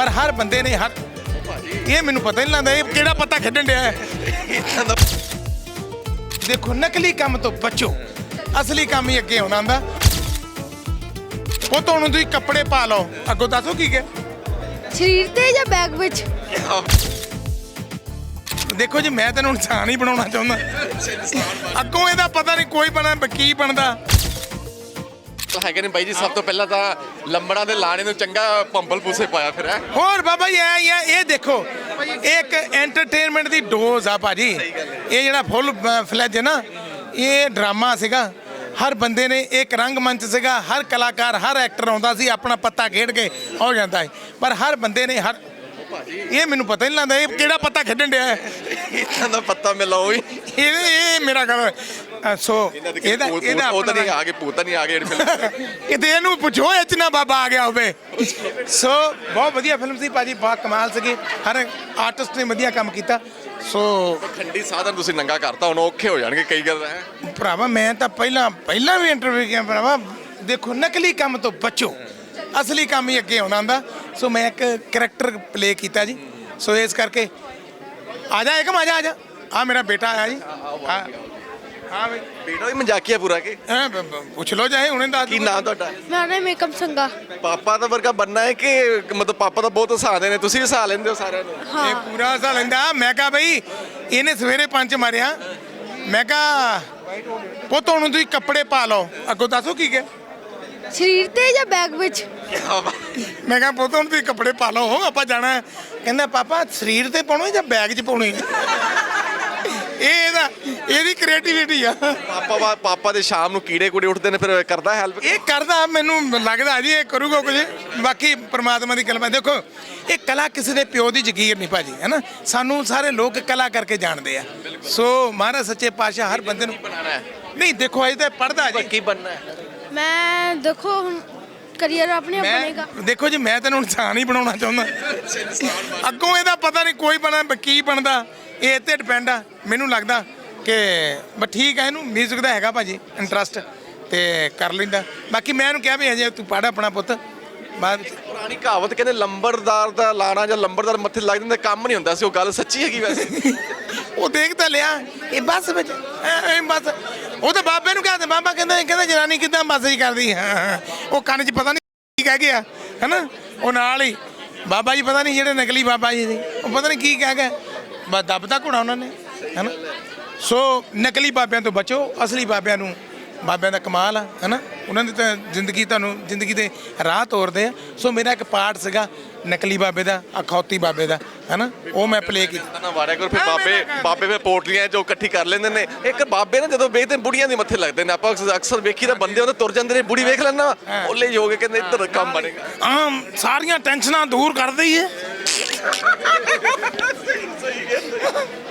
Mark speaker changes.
Speaker 1: ਪਰ ਹਰ ਬੰਦੇ ਨੇ ਹਰ ਇਹ ਮੈਨੂੰ ਪਤਾ ਨਹੀਂ ਲੱਗਦਾ ਇਹ ਕਿਹੜਾ ਪੱਤਾ ਖੇਡਣ ਡਿਆ ਹੈ। ਦੇਖੋ ਨਕਲੀ ਕੰਮ ਤੋਂ ਬਚੋ, ਅਸਲੀ ਕੰਮ ਹੀ ਅੱਗੇ ਆਉਣਾ ਹੁੰਦਾ। ਉਹ ਤੁਹਾਨੂੰ ਤੁਸੀਂ ਕੱਪੜੇ ਪਾ ਲਓ, ਅੱਗੋਂ ਦੱਸੋ ਕੀ ਹੈ
Speaker 2: ਸਰੀਰ ਤੇ ਜਾਂ ਬੈਗ ਵਿੱਚ।
Speaker 1: ਦੇਖੋ ਜੀ ਮੈਂ ਤੈਨੂੰ ਇਨਸਾਨ ਹੀ ਬਣਾਉਣਾ ਚਾਹੁੰਦਾ, ਅੱਗੋਂ ਇਹਦਾ ਪਤਾ ਨਹੀਂ ਕੋਈ ਬਣਾ ਕੀ ਬਣਦਾ
Speaker 3: ਹੈਗੇ ਨੇ ਬਾਈ ਜੀ। ਸਭ ਤੋਂ ਪਹਿਲਾਂ ਤਾਂ ਲੰਬੜਾਂ ਦੇ ਲਾਣੇ ਨੂੰ ਚੰਗਾ ਭੰਬਲ ਪੂਸੇ ਪਾਇਆ ਫਿਰ ਹੈ।
Speaker 1: ਹੋਰ ਬਾਬਾ ਜੀ ਐ ਹੀ ਆ, ਇਹ ਦੇਖੋ ਇੱਕ ਐਂਟਰਟੇਨਮੈਂਟ ਦੀ ਡੋਜ਼ ਆ ਭਾਜੀ। ਇਹ ਜਿਹੜਾ ਫੁੱਲ ਫਲੈਜ ਹੈ ਨਾ, ਇਹ ਡਰਾਮਾ ਸੀਗਾ। ਹਰ ਬੰਦੇ ਨੇ ਇੱਕ ਰੰਗਮੰਚ ਸੀਗਾ, ਹਰ ਕਲਾਕਾਰ ਹਰ ਐਕਟਰ ਆਉਂਦਾ ਸੀ ਆਪਣਾ ਪੱਤਾ ਖੇਡ ਕੇ ਹੋ ਜਾਂਦਾ ਹੈ, ਪਰ ਹਰ ਬੰਦੇ ਨੇ ਹਰ ਇਹ ਮੈਨੂੰ ਪਤਾ ਨਹੀਂ ਲੱਗਦਾ ਇਹ ਕਿਹੜਾ ਪੱਤਾ ਖੇਡਣ ਡਿਆ ਹੈ।
Speaker 3: ਇਦਾਂ ਦਾ ਪੱਤਾ ਮਿਲਾਓ ਹੀ
Speaker 1: ਇਹ ਮੇਰਾ ਗੱਲ ਸੋ ਇਹਦਾ
Speaker 3: ਉਹ ਤਾਂ ਨਹੀਂ ਆ ਗਏ, ਭੂਤ ਨਹੀਂ ਆ ਗਏ
Speaker 1: ਕਿਤੇ ਇਹਨੂੰ ਪੁੱਛੋ ਇਹ ਚ ਨਾ ਬਾਬਾ ਆ ਗਿਆ ਹੋਵੇ। ਸੋ ਬਹੁਤ ਵਧੀਆ ਫਿਲਮ ਸੀ ਭਾਜੀ, ਬਹੁਤ ਕਮਾਲ ਸੀਗੀ, ਹਰ ਆਰਟਿਸਟ ਨੇ ਵਧੀਆ ਕੰਮ ਕੀਤਾ। ਸੋ
Speaker 3: ਠੰਡੀ ਸਾਧਨ ਤੁਸੀਂ ਨੰਗਾ ਕਰਤਾ, ਹੁਣ ਔਖੇ ਹੋ ਜਾਣਗੇ ਕਈ ਗੱਲ ਹੈ।
Speaker 1: ਭਰਾਵਾ ਮੈਂ ਤਾਂ ਪਹਿਲਾਂ ਵੀ ਇੰਟਰਵਿਊ ਕੀਤਾ ਭਰਾਵਾ। ਦੇਖੋ ਨਕਲੀ ਕੰਮ ਤੋਂ ਬਚੋ, ਅਸਲੀ ਕੰਮ ਹੀ ਅੱਗੇ ਆਉਣਾ ਹੁੰਦਾ। ਸੋ ਮੈਂ ਇੱਕ ਕਰੈਕਟਰ ਪਲੇ ਕੀਤਾ ਜੀ। ਸੋ ਇਸ ਕਰਕੇ ਆ ਜਾ ਏਕਮ, ਆ ਜਾ ਆ ਮੇਰਾ ਬੇਟਾ ਆਇਆ ਜੀ। ਹਾਂ ਬਈ
Speaker 3: ਬੇਟਾ ਵੀ ਮਜ਼ਾਕੀਆ ਪੂਰਾ ਕੇ
Speaker 1: ਪੁੱਛ ਲਓ ਚਾਹੇ ਹੁਣੇ ਦੱਸ
Speaker 3: ਕੀ ਨਾਮ ਤੁਹਾਡਾ?
Speaker 2: ਮੇਰਾ ਨਾਮ ਏਕਮ ਸੰਗਾ।
Speaker 3: ਪਾਪਾ ਦਾ ਵਰਗਾ ਬੰਨਾ ਹੈ ਕਿ ਮਤਲਬ ਪਾਪਾ ਤਾਂ ਬਹੁਤ ਹਸਾਉਂਦੇ ਨੇ, ਤੁਸੀਂ ਵੀ ਹਸਾ ਲੈਂਦੇ ਹੋ ਸਾਰਿਆਂ ਨੂੰ?
Speaker 1: ਇਹ ਪੂਰਾ ਹਸਾ ਲੈਂਦਾ। ਮੈਂ ਕਿਹਾ ਬਈ ਇਹਨੇ ਸਵੇਰੇ 5 ਮਾਰਿਆ, ਮੈਂ ਕਿਹਾ ਪੁੱਤ ਹੁਣ ਤੁਸੀਂ ਕੱਪੜੇ ਪਾ ਲਓ, ਅੱਗੋਂ ਦੱਸੋ ਕੀ ਹੈ
Speaker 2: ਸਰੀਰ ਤੇ ਜਾਂ ਬੈਗ ਵਿੱਚ।
Speaker 1: ਮੈਂ ਕਿਹਾ ਪੁੱਤ ਹੁਣ ਤੁਸੀਂ ਕੱਪੜੇ ਪਾ ਲਓ, ਆਪਾਂ ਜਾਣਾ। ਕਹਿੰਦਾ ਪਾਪਾ ਸਰੀਰ ਤੇ ਪਾਉਣੇ ਜਾਂ ਬੈਗ 'ਚ ਪਾਉਣੇ। ਇਹਦੀ ਕ੍ਰੀਏਟੀਵਿਟੀ ਆ।
Speaker 3: ਪਾਪਾ ਦੇ ਸ਼ਾਮ ਨੂੰ ਕੀੜੇ ਕੂੜੇ ਉੱਠਦੇ ਨੇ, ਫਿਰ ਕਰਦਾ ਹੈਲਪ?
Speaker 1: ਇਹ ਕਰਦਾ, ਮੈਨੂੰ ਲੱਗਦਾ ਜੀ ਇਹ ਕਰੂਗਾ ਕੁਝ। ਬਾਕੀ ਪ੍ਰਮਾਤਮਾ ਦੀ ਕਲਮ ਹੈ। ਦੇਖੋ ਇਹ ਕਲਾ ਕਿਸੇ ਦੇ ਪਿਓ ਦੀ ਜ਼ਗੀਰ ਨਹੀਂ ਭਾਜੀ, ਹੈ ਨਾ। ਸਾਨੂੰ ਸਾਰੇ ਲੋਕ ਕਲਾ ਕਰਕੇ ਜਾਣਦੇ ਆ। ਸੋ ਮਹਾਰਾਜ ਸੱਚੇ ਪਾਤਸ਼ਾਹ ਹਰ ਬੰਦੇ ਨੂੰ
Speaker 3: ਬਣਾਉਣਾ ਹੈ।
Speaker 1: ਨਹੀਂ ਦੇਖੋ ਅਜੇ ਤਾਂ ਪੜ੍ਹਦਾ ਜੀ।
Speaker 3: ਕੀ ਬਣਨਾ ਹੈ?
Speaker 2: ਮੈਂ ਦੇਖੋ ਹੁਣ ਕਰੀਅਰ ਆਪਣੇ ਆਪ ਬਣੇਗਾ।
Speaker 1: ਦੇਖੋ ਜੀ ਮੈਂ ਤੈਨੂੰ ਇਨਸਾਨ ਹੀ ਬਣਾਉਣਾ ਚਾਹੁੰਦਾ, ਅੱਗੋਂ ਇਹਦਾ ਪਤਾ ਨਹੀਂ ਕੋਈ ਬਣਾ ਕੀ ਬਣਦਾ, ਇਹ ਤੇ ਡਿਪੈਂਡ ਆ। ਮੈਨੂੰ ਲੱਗਦਾ ਕਿ ਬਸ ਠੀਕ ਹੈ, ਇਹਨੂੰ ਮਿਊਜ਼ਿਕ ਦਾ ਹੈਗਾ ਭਾਜੀ ਇੰਟਰਸਟ ਤੇ ਕਰ ਲੈਂਦਾ। ਬਾਕੀ ਮੈਂ ਇਹਨੂੰ ਕਿਹਾ ਵੀ ਹਜੇ ਤੂੰ ਪੜ੍ਹ ਆਪਣਾ ਪੁੱਤ ਬਾਅਦ।
Speaker 3: ਪੁਰਾਣੀ ਕਹਾਵਤ ਕਹਿੰਦੇ ਲੰਬੜਦਾਰ ਦਾ ਲਾਣਾ ਜਾਂ ਲੰਬੜਦਾਰ ਮੱਥੇ ਲੱਗ ਜਾਂਦਾ ਕੰਮ ਨਹੀਂ ਹੁੰਦਾ ਸੀ, ਉਹ ਗੱਲ ਸੱਚੀ ਹੈਗੀ ਵੈਸੇ?
Speaker 1: ਉਹ ਦੇਖ ਤਾਂ ਲਿਆ ਇਹ ਬੱਸ ਵਿੱਚ ਬਸ। ਉਹ ਤਾਂ ਬਾਬੇ ਨੂੰ ਕਹਿੰਦੇ, ਬਾਬਾ ਕਹਿੰਦਾ ਜਨਾਨੀ ਕਿੱਦਾਂ ਬੱਸ ਹੀ ਕਰਦੀ। ਹਾਂ ਉਹ ਕੰਨ 'ਚ ਪਤਾ ਨਹੀਂ ਕੀ ਕਹਿ ਗਿਆ ਹੈ ਨਾ। ਉਹ ਨਾਲ ਹੀ ਬਾਬਾ ਜੀ ਪਤਾ ਨਹੀਂ ਜਿਹੜੇ ਨਕਲੀ ਬਾਬਾ ਜੀ ਸੀ, ਉਹ ਪਤਾ ਨਹੀਂ ਕੀ ਕਹਿ ਗਏ, ਬਸ ਦੱਬਦਾ ਘੋੜਾ ਉਹਨਾਂ ਨੇ, ਹੈ ਨਾ। ਸੋ ਨਕਲੀ ਬਾਬਿਆਂ ਤੋਂ ਬਚੋ, ਅਸਲੀ ਬਾਬਿਆਂ ਨੂੰ, ਬਾਬਿਆਂ ਦਾ ਕਮਾਲ ਆ, ਹੈ ਨਾ। ਉਹਨਾਂ ਦੀ ਤਾਂ ਜ਼ਿੰਦਗੀ ਦੇ ਰਾਹ ਤੋਰਦੇ ਆ। ਸੋ ਮੇਰਾ ਇੱਕ ਪਾਰਟ ਸੀਗਾ ਨਕਲੀ ਬਾਬੇ ਦਾ, ਅਖੌਤੀ ਬਾਬੇ ਦਾ, ਹੈ ਨਾ। ਉਹ ਮੈਂ ਪਲੇ ਕੀਤਾ
Speaker 3: ਨਾ ਵਾਰਿਆ ਕਰੋ। ਫਿਰ ਬਾਬੇ ਫਿਰ ਪੋਟਲੀਆਂ ਜੋ ਇਕੱਠੀ ਕਰ ਲੈਂਦੇ ਨੇ। ਇੱਕ ਬਾਬੇ ਨਾ ਜਦੋਂ ਵੇਖਦੇ ਬੁੜੀਆਂ ਦੇ ਮੱਥੇ ਲੱਗਦੇ ਨੇ, ਆਪਾਂ ਅਕਸਰ ਵੇਖੀ ਤਾਂ ਬੰਦੇ ਉਹਦੇ ਤੁਰ ਜਾਂਦੇ ਨੇ, ਬੁੜੀ ਵੇਖ ਲੈਣਾ ਓਲੇ ਹੀ ਹੋ ਗਏ, ਕਹਿੰਦੇ ਇੱਧਰ ਕੰਮ ਬਣੇਗਾ।
Speaker 1: ਸਾਰੀਆਂ ਟੈਨਸ਼ਨਾਂ ਦੂਰ ਕਰਦੇ ਹੀ ਹੈ।